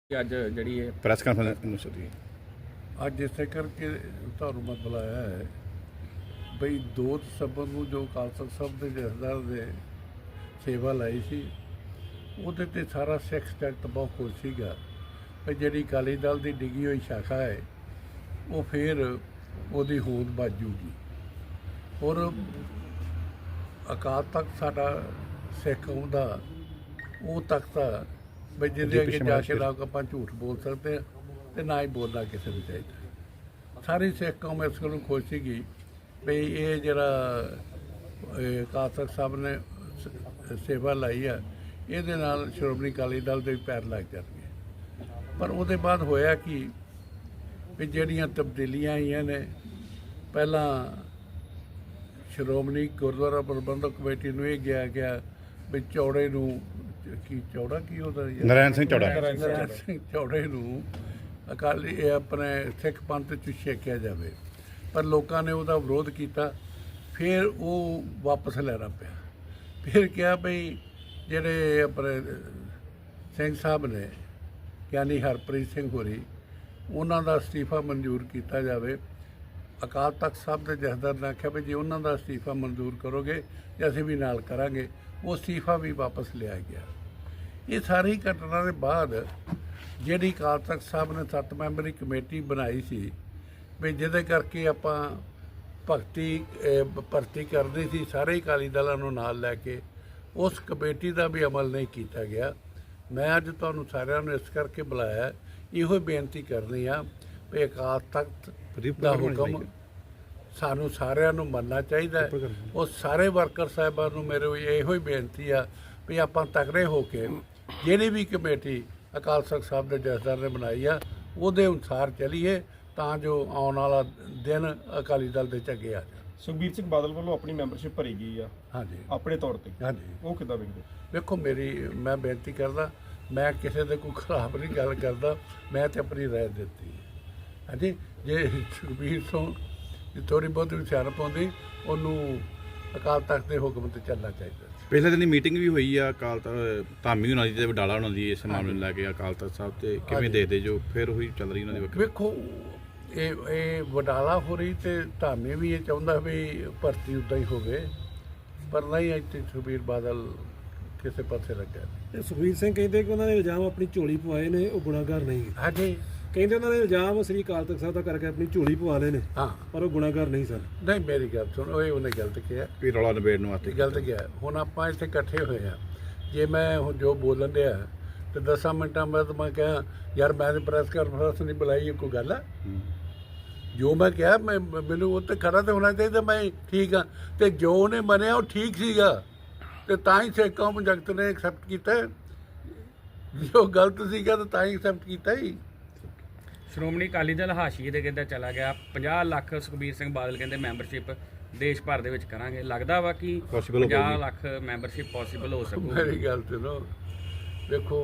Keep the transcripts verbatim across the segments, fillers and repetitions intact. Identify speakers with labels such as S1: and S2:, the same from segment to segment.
S1: ਅੱਜ ਜਿਹੜੀ ਇਹ
S2: ਪ੍ਰੈਸ ਕਾਨਫਰੰਸ ਹੋਈ
S3: ਅੱਜ ਇਸੇ ਕਰਕੇ ਤੁਹਾਨੂੰ ਮੈਂ ਬੁਲਾਇਆ ਹੈ ਬਈ ਦੋ ਦਸੰਬਰ ਨੂੰ ਜੋ ਅਕਾਲ ਤਖ਼ਤ ਸਾਹਿਬ ਦੇ ਜਥੇਦਾਰ ਦੇ ਸੇਵਾ ਲਾਈ ਸੀ ਉਹਦੇ ਤੇ ਸਾਰਾ ਸਿੱਖ ਜਗਤ ਬਹੁਤ ਖੁਸ਼ ਸੀਗਾ ਵੀ ਜਿਹੜੀ ਅਕਾਲੀ ਦਲ ਦੀ ਡਿੱਗੀ ਹੋਈ ਸ਼ਾਖਾ ਹੈ ਉਹ ਫਿਰ ਉਹਦੀ ਹੋਂਦ ਵੱਜੂਗੀ ਔਰ ਅਕਾਲ ਤਖ਼ਤ ਸਾਡਾ ਸਿੱਖ ਕੌਮ ਦਾ ਉਹ ਤਖ਼ਤ ਆ ਬਈ ਜਿਹਦੇ ਅੱਗੇ ਜਾ ਕੇ ਲੋਕ ਆਪਾਂ ਝੂਠ ਬੋਲ ਸਕਦੇ ਹਾਂ ਤੇ ਨਾ ਹੀ ਬੋਲਣਾ ਕਿਸੇ ਨੂੰ ਚਾਹੀਦਾ। ਸਾਰੀ ਸਿੱਖ ਕੌਮ ਇਸ ਗੱਲੋਂ ਖੁਸ਼ ਸੀਗੀ ਵੀ ਇਹ ਜਿਹੜਾ ਅਕਾਲ ਤਖ਼ਤ ਸਾਹਿਬ ਨੇ ਸੇਵਾ ਲਾਈ ਆ ਇਹਦੇ ਨਾਲ ਸ਼੍ਰੋਮਣੀ ਅਕਾਲੀ ਦਲ ਦੇ ਵੀ ਪੈਰ ਲੱਗ ਜਾਣਗੇ। ਪਰ ਉਹਦੇ ਬਾਅਦ ਹੋਇਆ ਕਿ ਵੀ ਜਿਹੜੀਆਂ ਤਬਦੀਲੀਆਂ ਆਈਆਂ ਨੇ, ਪਹਿਲਾਂ ਸ਼੍ਰੋਮਣੀ ਗੁਰਦੁਆਰਾ ਪ੍ਰਬੰਧਕ ਕਮੇਟੀ ਨੂੰ ਇਹ ਗਿਆ ਗਿਆ ਵੀ ਚੌੜੇ ਨੂੰ ਕੀ ਚੌੜਾ ਕੀ ਉਹਦਾ
S2: ਨਰੈਣ ਸਿੰਘ ਚੌੜਾ
S3: ਨਰੈਣ ਸਿੰਘ ਚੌੜੇ ਨੂੰ ਅਕਾਲੀ ਇਹ ਆਪਣੇ ਸਿੱਖ ਪੰਥ 'ਚ ਛੇਕਿਆ ਜਾਵੇ, ਪਰ ਲੋਕਾਂ ਨੇ ਉਹਦਾ ਵਿਰੋਧ ਕੀਤਾ। ਫਿਰ ਉਹ ਵਾਪਸ ਲੈਣਾ ਪਿਆ। ਫਿਰ ਕਿਹਾ ਬਈ ਜਿਹੜੇ ਆਪਣੇ ਸਿੰਘ ਸਾਹਿਬ ਨੇ ਗਿਆਨੀ ਹਰਪ੍ਰੀਤ ਸਿੰਘ ਹੋਰੀ, ਉਹਨਾਂ ਦਾ ਅਸਤੀਫਾ ਮਨਜ਼ੂਰ ਕੀਤਾ ਜਾਵੇ। ਅਕਾਲ ਤਖ਼ਤ ਸਾਹਿਬ ਦੇ ਜਥੇਦਾਰ ਨੇ ਆਖਿਆ ਵੀ ਜੇ ਉਹਨਾਂ ਦਾ ਅਸਤੀਫਾ ਮਨਜ਼ੂਰ ਕਰੋਗੇ ਤਾਂ ਅਸੀਂ ਵੀ ਨਾਲ ਕਰਾਂਗੇ। ਉਹ ਅਸਤੀਫਾ ਵੀ ਵਾਪਸ ਲਿਆ ਗਿਆ। ਇਹ ਸਾਰੀ ਘਟਨਾ ਦੇ ਬਾਅਦ ਜਿਹੜੀ ਅਕਾਲ ਤਖ਼ਤ ਸਾਹਿਬ ਨੇ ਸੱਤ ਮੈਂਬਰੀ ਕਮੇਟੀ ਬਣਾਈ ਸੀ ਵੀ ਜਿਹਦੇ ਕਰਕੇ ਆਪਾਂ ਭਗਤੀ ਭਰਤੀ ਕਰਦੇ ਸੀ ਸਾਰੇ ਅਕਾਲੀ ਦਲਾਂ ਨੂੰ ਨਾਲ ਲੈ ਕੇ, ਉਸ ਕਮੇਟੀ ਦਾ ਵੀ ਅਮਲ ਨਹੀਂ ਕੀਤਾ ਗਿਆ। ਮੈਂ ਅੱਜ ਤੁਹਾਨੂੰ ਸਾਰਿਆਂ ਨੂੰ ਇਸ ਕਰਕੇ ਬੁਲਾਇਆ, ਇਹੋ ਬੇਨਤੀ ਕਰਨੀ ਆ ਵੀ ਅਕਾਲ ਤਖ਼ਤ ਦਾ ਹੁਕਮ ਸਾਨੂੰ ਸਾਰਿਆਂ ਨੂੰ ਮੰਨਣਾ ਚਾਹੀਦਾ ਹੈ। ਉਹ ਸਾਰੇ ਵਰਕਰ ਸਾਹਿਬਾਨ ਨੂੰ ਮੇਰੇ ਇਹੋ ਹੀ ਬੇਨਤੀ ਆ ਵੀ ਆਪਾਂ ਤਕੜੇ ਹੋ ਕੇ ਜਿਹੜੀ ਵੀ ਕਮੇਟੀ ਅਕਾਲ ਤਖ਼ਤ ਸਾਹਿਬ ਦੇ ਜਥੇਦਾਰ ਨੇ ਬਣਾਈ ਆ ਉਹਦੇ ਅਨੁਸਾਰ ਚੱਲੀਏ ਤਾਂ ਜੋ ਆਉਣ ਵਾਲਾ ਦਿਨ ਅਕਾਲੀ ਦਲ ਦੇ ਝੱਗੇ ਆ ਜਾਣ।
S1: ਸੁਖਬੀਰ ਸਿੰਘ ਬਾਦਲ ਵੱਲੋਂ ਆਪਣੀ ਮੈਂਬਰਸ਼ਿਪ ਭਰੀ ਗਈ ਆ
S3: ਹਾਂਜੀ ਆਪਣੇ
S1: ਤੌਰ ਤੇ,
S3: ਹਾਂਜੀ
S1: ਉਹ ਕਿੱਦਾਂ ਵੇਖਦੇ?
S3: ਵੇਖੋ ਮੇਰੀ ਮੈਂ ਬੇਨਤੀ ਕਰਦਾ, ਮੈਂ ਕਿਸੇ ਦੇ ਕੋਈ ਖਰਾਬ ਨਹੀਂ ਗੱਲ ਕਰਦਾ, ਮੈਂ ਤੇ ਆਪਣੀ ਰਾਏ ਦਿੱਤੀ ਹੈ। ਹਾਂਜੀ, ਜੇ ਸੁਖਬੀਰ ਸਿੰਘ ਥੋੜ੍ਹੀ ਬਹੁਤ ਵੀ ਸਿਆਣਪ ਆਉਂਦੀ ਉਹਨੂੰ ਅਕਾਲ ਤਖ਼ਤ ਦੇ ਹੁਕਮ ਤੇ ਚੱਲਣਾ ਚਾਹੀਦਾ।
S2: ਪਿਛਲੇ ਦਿਨ ਮੀਟਿੰਗ ਵੀ ਹੋਈ ਆ ਅਕਾਲ ਤਖ਼ਤ ਧਾਮੀ ਉਹਨਾਂ ਦੀ ਤੇ ਵਡਾਲਾ ਉਹਨਾਂ ਦੀ ਇਸ ਮਾਮਲੇ ਨੂੰ ਲੈ ਕੇ ਅਕਾਲ ਤਖ਼ਤ ਸਾਹਿਬ ਤੇ ਕਿਵੇਂ ਦੇਖਦੇ ਜੋ ਫਿਰ ਉਹੀ ਚੱਲ ਰਹੀ ਉਹਨਾਂ ਦੀ ਵੱਖਰੀ?
S3: ਵੇਖੋ ਇਹ ਇਹ ਵਡਾਲਾ ਹੋ ਰਹੀ ਤੇ ਧਾਮੀ ਵੀ ਇਹ ਚਾਹੁੰਦਾ ਵੀ ਭਰਤੀ ਉੱਦਾਂ ਹੀ ਹੋਵੇ, ਪਰ ਨਹੀਂ ਇੱਥੇ ਸੁਖਬੀਰ ਬਾਦਲ ਕਿਸੇ ਪਾਸੇ ਲੱਗਾ।
S4: ਤੇ ਸੁਖਬੀਰ ਸਿੰਘ ਕਹਿੰਦੇ ਕਿ ਉਹਨਾਂ ਨੇ ਇਲਜ਼ਾਮ ਆਪਣੀ ਝੋਲੀ ਪਵਾਏ ਨੇ, ਉਹ ਗੁਨਾਹਗਾਰ ਨਹੀਂ।
S3: ਹਾਂਜੀ,
S4: ਕਹਿੰਦੇ ਉਹਨਾਂ ਨੇ ਇਲਜ਼ਾਮ ਸ੍ਰੀ ਅਕਾਲ ਤਖ਼ਤ ਸਾਹਿਬ ਦਾ ਕਰਕੇ ਆਪਣੀ ਝੋਲੀ ਪਵਾ ਲਏ ਨੇ,
S3: ਹਾਂ,
S4: ਪਰ ਉਹ ਗੁਨਾਹਗਾਰ ਨਹੀਂ ਸਨ।
S3: ਨਹੀਂ ਮੇਰੀ ਗੱਲ ਸੁਣ, ਉਹ ਉਹਨੇ ਗਲਤ ਕਿਹਾ
S2: ਵੀ ਰੌਲਾ ਨਿਬੇੜਨ ਵਾਸਤੇ
S3: ਗਲਤ ਗਿਆ। ਹੁਣ ਆਪਾਂ ਇੱਥੇ ਇਕੱਠੇ ਹੋਏ ਆ, ਜੇ ਮੈਂ ਹੁਣ ਜੋ ਬੋਲਣ ਡਿਆ ਤੇ ਦਸਾਂ ਮਿੰਟਾਂ ਬਾਅਦ ਮੈਂ ਕਿਹਾ ਯਾਰ ਮੈਂ ਤਾਂ ਪ੍ਰੈਸ ਕਾਨਫਰੰਸ ਨਹੀਂ ਬੁਲਾਈ, ਕੋਈ ਗੱਲ ਆ? ਜੋ ਮੈਂ ਕਿਹਾ ਮੈਂ ਮੈਨੂੰ ਉਹ ਤੇ ਖੜਾ ਤੇ ਹੋਣਾ ਚਾਹੀਦਾ, ਮੈਂ ਠੀਕ ਆ। ਤੇ ਜੋ ਉਹਨੇ ਮੰਨਿਆ ਉਹ ਠੀਕ ਸੀਗਾ ਤੇ ਤਾਂ ਹੀ ਸਿੱਖ ਕੌਮ ਜਗਤ ਨੇ ਐਕਸੈਪਟ ਕੀਤਾ। ਜੋ ਗਲਤ ਸੀਗਾ ਤਾਂ ਤਾਂ ਹੀ ਐਕਸੈਪਟ ਕੀਤਾ ਹੀ।
S1: ਸ਼੍ਰੋਮਣੀ ਅਕਾਲੀ ਦਲ ਹਾਸ਼ੀਏ ਤੇ ਕਿੱਦਾਂ ਚਲਾ ਗਿਆ? ਪੰਜਾਹ ਲੱਖ ਸੁਖਬੀਰ ਸਿੰਘ ਬਾਦਲ ਕਹਿੰਦੇ ਮੈਂਬਰਸ਼ਿਪ ਦੇਸ਼ ਭਰ ਦੇ ਵਿੱਚ ਕਰਾਂਗੇ। ਲੱਗਦਾ ਵਾ ਕਿ ਪੰਜਾਹ ਲੱਖ ਮੈਂਬਰਸ਼ਿਪ ਪੋਸੀਬਲ ਹੋ ਸਕੂ?
S3: ਮੇਰੀ ਗੱਲ ਸੁਣੋ, ਵੇਖੋ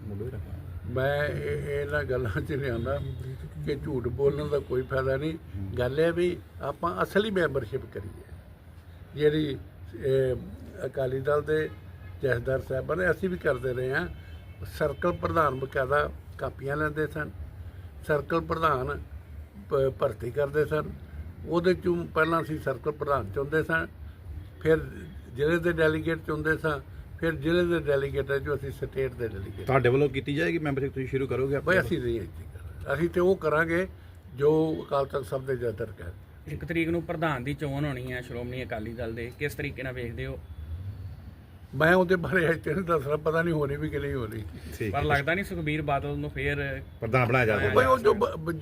S3: ਮੈਂ ਇਹਨਾਂ ਗੱਲਾਂ 'ਚ ਨਹੀਂ ਆਉਂਦਾ ਕਿ ਝੂਠ ਬੋਲਣ ਦਾ ਕੋਈ ਫਾਇਦਾ ਨਹੀਂ। ਗੱਲ ਇਹ ਵੀ ਆਪਾਂ ਅਸਲੀ ਮੈਂਬਰਸ਼ਿਪ ਕਰੀਏ ਜਿਹੜੀ ਅਕਾਲੀ ਦਲ ਦੇ ਜਥੇਦਾਰ ਸਾਹਿਬਾਂ ਨੇ, ਅਸੀਂ ਵੀ ਕਰਦੇ ਰਹੇ ਹਾਂ। ਸਰਕਲ ਪ੍ਰਧਾਨ ਬਕਾਇਦਾ ਕਾਪੀਆਂ ਲੈਂਦੇ ਸਨ, ਸਰਕਲ ਪ੍ਰਧਾਨ ਭ ਭਰਤੀ ਕਰਦੇ ਸਨ। ਉਹਦੇ 'ਚੋਂ ਪਹਿਲਾਂ ਅਸੀਂ ਸਰਕਲ ਪ੍ਰਧਾਨ ਚੁਣਦੇ ਸਾਂ, ਫਿਰ ਜ਼ਿਲ੍ਹੇ ਦੇ ਡੈਲੀਗੇਟ ਚੁਣਦੇ ਸਾਂ, ਫਿਰ ਜ਼ਿਲ੍ਹੇ ਦੇ ਡੈਲੀਗੇਟਾਂ 'ਚੋਂ ਅਸੀਂ ਸਟੇਟ ਦੇ ਡੈਲੀਗੇਟ।
S2: ਤੁਹਾਡੇ ਵੱਲੋਂ ਕੀਤੀ ਜਾਏਗੀ ਮੈਂਬਰਸ਼ਿਪ? ਤੁਸੀਂ ਸ਼ੁਰੂ ਕਰੋਗੇ?
S3: ਬਈ ਅਸੀਂ ਨਹੀਂ ਇੱਥੇ ਕਰਾਂਗੇ, ਅਸੀਂ ਤੇ ਉਹ ਕਰਾਂਗੇ ਜੋ ਅਕਾਲ ਤਖ਼ਤ ਸਾਹਿਬ ਦੇ ਜਥੇਦਾਰ ਕਹਿਣ।
S1: ਇੱਕ ਤਰੀਕ ਨੂੰ ਪ੍ਰਧਾਨ ਦੀ ਚੋਣ ਹੋਣੀ ਹੈ ਸ਼੍ਰੋਮਣੀ ਅਕਾਲੀ ਦਲ ਦੇ, ਕਿਸ ਤਰੀਕੇ ਨਾਲ ਵੇਖਦੇ ਹੋ?
S3: ਮੈਂ ਉਹਦੇ ਬਾਰੇ ਇੱਥੇ ਨਹੀਂ ਦੱਸਣਾ, ਪਤਾ ਨਹੀਂ ਹੋਣੀ ਵੀ ਕਿ ਨਹੀਂ ਹੋਣੀ।
S1: ਪਰ ਲੱਗਦਾ ਨਹੀਂ ਸੁਖਬੀਰ ਬਾਦਲ ਨੂੰ ਫੇਰ
S2: ਪ੍ਰਧਾਨ ਬਣਾਇਆ ਜਾਵੇ?
S3: ਬਈ ਉਹ ਜੋ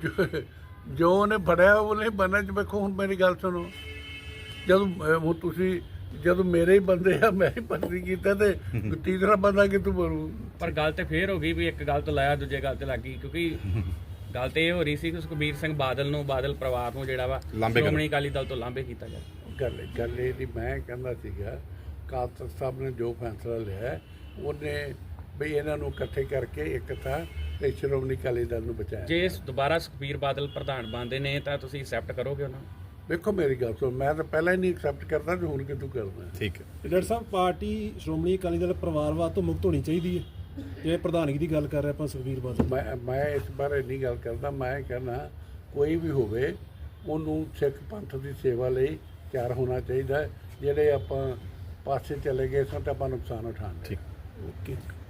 S3: ਜੋ ਉਹਨੇ ਫੜਿਆ ਉਹ ਨਹੀਂ ਬਣਨਾ। ਚ ਵੇਖੋ ਹੁਣ ਮੇਰੀ ਗੱਲ ਸੁਣੋ, ਜਦੋਂ ਹੁਣ ਤੁਸੀਂ ਜਦੋਂ ਮੇਰੇ ਹੀ ਬੰਦੇ ਆ, ਮੈਂ ਹੀ ਭਰਤੀ ਕੀਤਾ ਤੇ ਤੀਸਰਾ ਬੰਦਾ ਕਿਤੋਂ ਬਣੂ?
S1: ਪਰ ਗੱਲ ਤੇ ਫੇਰ ਹੋ ਗਈ ਵੀ ਇੱਕ ਗੱਲ ਤੋਂ ਲਾਇਆ ਦੂਜੇ ਗੱਲ ਤੇ ਲੱਗ ਗਈ, ਕਿਉਂਕਿ ਗੱਲ ਤੇ ਇਹ ਹੋ ਰਹੀ ਸੀ ਕਿ ਸੁਖਬੀਰ ਸਿੰਘ ਬਾਦਲ ਨੂੰ, ਬਾਦਲ ਪਰਿਵਾਰ ਨੂੰ ਜਿਹੜਾ ਵਾ ਸ਼੍ਰੋਮਣੀ ਅਕਾਲੀ ਦਲ ਤੋਂ ਲਾਂਭੇ ਕੀਤਾ ਜਾਵੇ।
S3: ਗੱਲ ਗੱਲ ਇਹ ਨਹੀਂ, ਮੈਂ ਕਹਿੰਦਾ ਸੀਗਾ ਅਕਾਲ ਤਖ਼ਤ ਸਾਹਿਬ ਨੇ ਜੋ ਫੈਸਲਾ ਲਿਆ ਉਹਨੇ ਵੀ ਇਹਨਾਂ ਨੂੰ ਇਕੱਠੇ ਕਰਕੇ ਇੱਕ ਥਾਂ ਤੇ ਸ਼੍ਰੋਮਣੀ ਅਕਾਲੀ ਦਲ ਨੂੰ ਬਚਾਇਆ।
S1: ਜੇ ਦੁਬਾਰਾ ਸੁਖਬੀਰ ਬਾਦਲ ਪ੍ਰਧਾਨ ਬਣਦੇ ਨੇ ਤਾਂ ਤੁਸੀਂ ਐਕਸੈਪਟ ਕਰੋਗੇ ਉਹਨਾਂ ਨੂੰ?
S3: ਵੇਖੋ ਮੇਰੀ ਗੱਲ ਸੁਣ, ਮੈਂ ਤਾਂ ਪਹਿਲਾਂ ਹੀ ਨਹੀਂ ਐਕਸੈਪਟ ਕਰਦਾ ਤੇ ਹੁਣ ਕਿਤੋਂ ਕਰਨਾ।
S2: ਠੀਕ ਹੈ
S4: ਡਾਕਟਰ ਸਾਹਿਬ, ਪਾਰਟੀ ਸ਼੍ਰੋਮਣੀ ਅਕਾਲੀ ਦਲ ਪਰਿਵਾਰਵਾਦ ਤੋਂ ਮੁਕਤ ਹੋਣੀ ਚਾਹੀਦੀ ਹੈ? ਜੇ ਪ੍ਰਧਾਨਗੀ ਦੀ ਗੱਲ ਕਰ ਰਹੇ ਆਪਾਂ ਸੁਖਬੀਰ ਬਾਦਲ,
S3: ਮੈਂ ਮੈਂ ਇਸ ਬਾਰੇ ਨਹੀਂ ਗੱਲ ਕਰਦਾ। ਮੈਂ ਕਹਿੰਦਾ ਕੋਈ ਵੀ ਹੋਵੇ ਉਹਨੂੰ ਸਿੱਖ ਪੰਥ ਦੀ ਸੇਵਾ ਲਈ ਤਿਆਰ ਹੋਣਾ ਚਾਹੀਦਾ ਹੈ। ਜਿਹੜੇ ਆਪਾਂ ਪਾਸੇ ਚਲੇ ਗਏ ਸਨ ਤਾਂ ਆਪਾਂ ਨੁਕਸਾਨ ਉਠਾਉਣਾ।
S2: ਠੀਕ।
S4: ਓਕੇ।